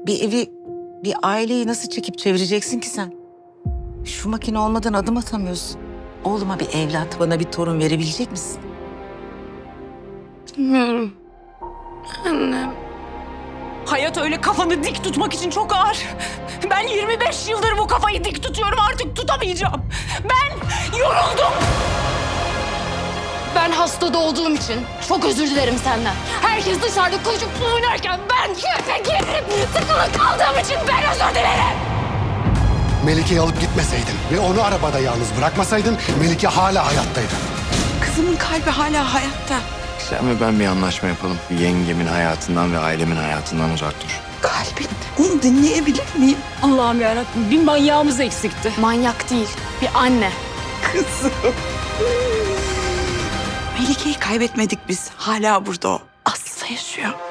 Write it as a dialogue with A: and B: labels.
A: Bir evi, bir aileyi nasıl çekip çevireceksin ki sen? Şu makine olmadan adım atamıyorsun. Oğluma bir evlat, bana bir torun verebilecek misin?
B: Bilmiyorum. Annem.
C: Hayat öyle kafanı dik tutmak için çok ağır. Ben 25 yıldır bu kafayı dik tutuyorum, artık tutamayacağım. Ben yoruldum.
B: Ben hastada olduğum için çok özür dilerim senden. Herkes dışarıda koşup oynarken ben köşe girip sıkılı kaldığım için ben özür dilerim.
D: Melike'yi alıp gitmeseydin ve onu arabada yalnız bırakmasaydın Melike hala hayattaydı.
A: Kızımın kalbi hala hayatta.
E: Sen ve ben bir anlaşma yapalım. Yengemin hayatından ve ailemin hayatından uzak dur.
A: Kalbin. Onu dinleyebilir miyim?
C: Allah'ım yarabbim, bir manyağımız eksikti.
B: Manyak değil, bir anne.
A: Kızım. Melike'yi kaybetmedik biz. Hala burada o. Aslı yaşıyor.